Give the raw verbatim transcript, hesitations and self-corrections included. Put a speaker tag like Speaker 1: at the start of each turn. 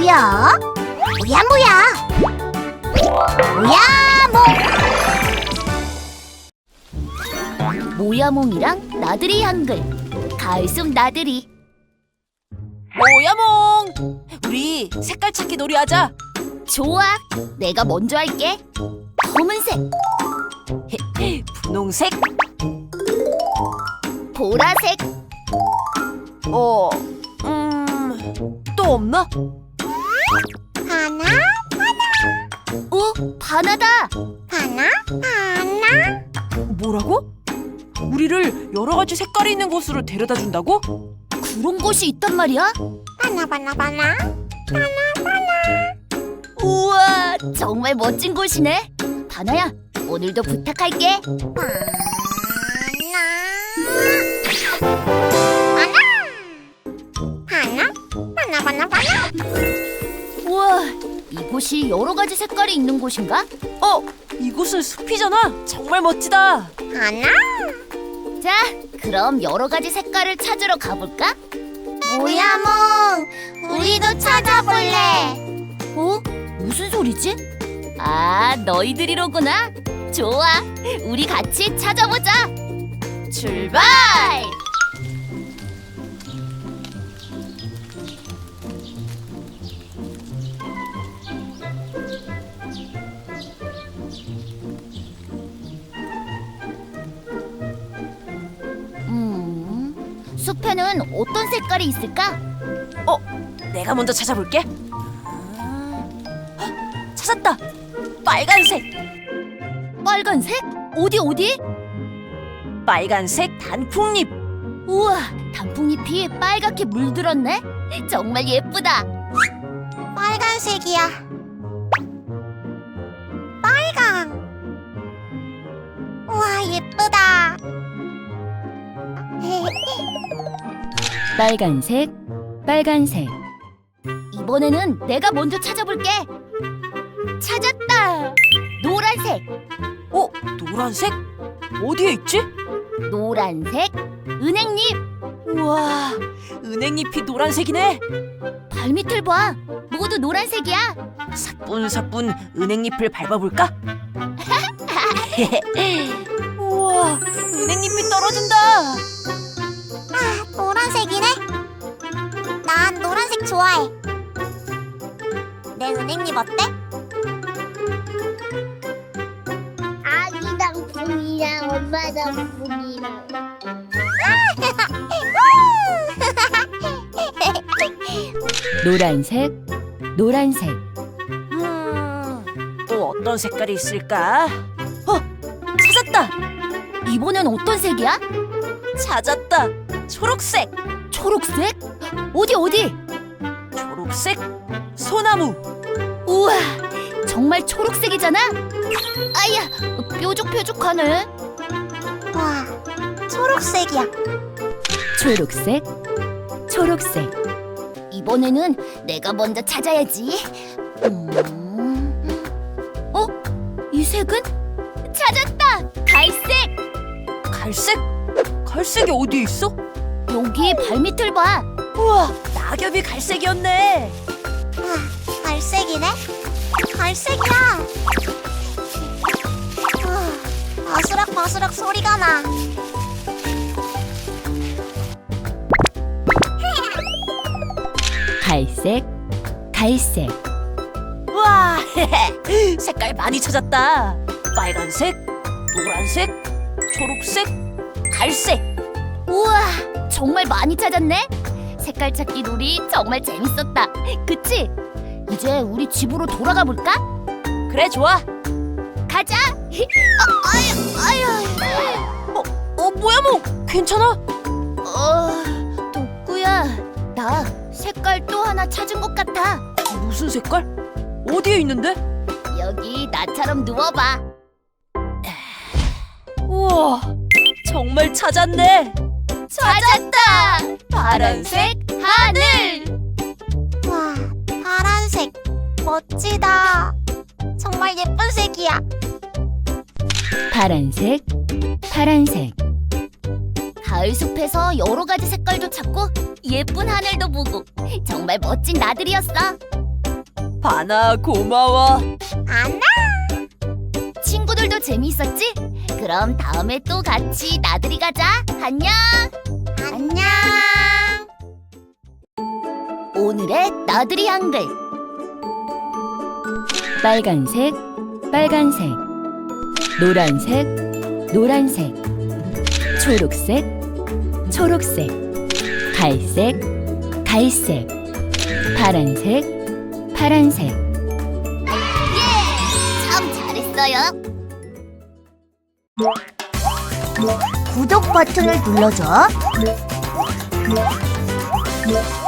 Speaker 1: 뭐야? 뭐야 뭐야? 모야몽! 모야몽이랑 나들이 한글. 가을숲 나들이.
Speaker 2: 모야몽! 우리 색깔 찾기 놀이 하자.
Speaker 1: 좋아. 내가 먼저 할게. 검은색,
Speaker 2: 분홍색.
Speaker 1: 보라색,
Speaker 2: 어, 음, 또 없나?
Speaker 1: 하나, 오, 바나다. 하나, 하나.
Speaker 2: 뭐라고? 우리를 여러 가지 색깔이 있는 곳으로 데려다 준다고?
Speaker 1: 그런 곳이 있단 말이야?
Speaker 3: 바나 바나 바나
Speaker 1: 우와, 정말 멋진 곳이네. 바나야, 오늘도 부탁할게.
Speaker 3: 바나 바나 바나 바나
Speaker 1: 우와, 이곳이 여러 가지 색깔이 있는 곳인가?
Speaker 2: 어, 이곳은 숲이잖아. 정말 멋지다.
Speaker 3: 바나
Speaker 1: 자, 그럼 여러 가지 색깔을 찾으러 가볼까?
Speaker 3: 모야몽 우리도 찾아볼래.
Speaker 1: 어? 무슨 소리지? 아, 너희들이로구나. 좋아, 우리 같이 찾아보자. 출발! 음, 숲에는 어떤 색깔이 있을까?
Speaker 2: 어, 내가 먼저 찾아볼게. 아, 헉, 찾았다. 빨간색.
Speaker 1: 빨간색? 어디 어디?
Speaker 2: 빨간색 단풍잎.
Speaker 1: 우와, 단풍잎이 빨갛게 물들었네. 정말 예쁘다.
Speaker 3: 빨간색이야. 빨강. 우와 예쁘다.
Speaker 1: 빨간색, 빨간색. 이번에는 내가 먼저 찾아볼게. 찾았다. 노란색,
Speaker 2: 어, 노란색? 어디에 있지?
Speaker 1: 노란색, 은행잎.
Speaker 2: 우와, 은행잎이 노란색이네.
Speaker 1: 발밑을 봐. 모두 노란색이야.
Speaker 2: 사뿐사뿐 은행잎을 밟아볼까? 우와, 은행잎이 떨어진다.
Speaker 3: 아 노란색이네. 난 노란색 좋아해. 내 은행잎 어때?
Speaker 4: 아기 단풍이랑 엄마 단풍이랑
Speaker 1: 노란색, 노란색.
Speaker 2: 음, 또 어떤 색깔이 있을까? 어, 찾았다.
Speaker 1: 이번엔 어떤 색이야?
Speaker 2: 찾았다. 초록색.
Speaker 1: 초록색? 어디 어디?
Speaker 2: 초록색 소나무.
Speaker 1: 우와, 정말 초록색이잖아. 아야, 뾰족뾰족하네.
Speaker 3: 와 초록색이야.
Speaker 1: 초록색, 초록색. 이번에는 내가 먼저 찾아야지. 음... 어? 이 색은? 찾았다! 갈색!
Speaker 2: 갈색? 갈색이 어디 있어?
Speaker 3: 여기 발밑을 봐.
Speaker 2: 우와, 낙엽이 갈색이었네.
Speaker 3: 와, 갈색이네? 갈색이야. 와, 바스락바스락 소리가 나.
Speaker 1: 갈색, 갈색.
Speaker 2: 우와, 색깔 많이 찾았다. 빨간색, 노란색, 초록색, 갈색.
Speaker 1: 우와, 정말 많이 찾았네. 색깔 찾기 놀이 정말 재밌었다. 그치? 이제 우리 집으로 돌아가 볼까?
Speaker 2: 그래, 좋아.
Speaker 1: 가자. 어, 아유, 아유.
Speaker 2: 어, 어, 뭐야, 뭐? 괜찮아?
Speaker 1: 어, 덕구야, 나 색깔 또 하나 찾은 것 같아.
Speaker 2: 무슨 색깔? 어디에 있는데?
Speaker 1: 여기 나처럼 누워봐.
Speaker 2: 우와, 정말 찾았네.
Speaker 1: 찾았다. 파란색 하늘.
Speaker 3: 와, 파란색. 멋지다. 정말 예쁜 색이야.
Speaker 1: 파란색, 파란색. 가을 숲에서 여러 가지 색깔도 찾고 예쁜 하늘도 보고 정말 멋진 나들이었어.
Speaker 2: 바나 고마워.
Speaker 3: 안녕.
Speaker 1: 친구들도 재미있었지? 그럼 다음에 또 같이 나들이 가자. 안녕.
Speaker 3: 안녕.
Speaker 1: 오늘의 나들이 한글.
Speaker 5: 빨간색, 빨간색, 노란색, 노란색, 초록색, 초록색, 갈색, 갈색, 파란색, 파란색.
Speaker 1: 참 잘했어요.
Speaker 3: 구독 버튼을 눌러줘.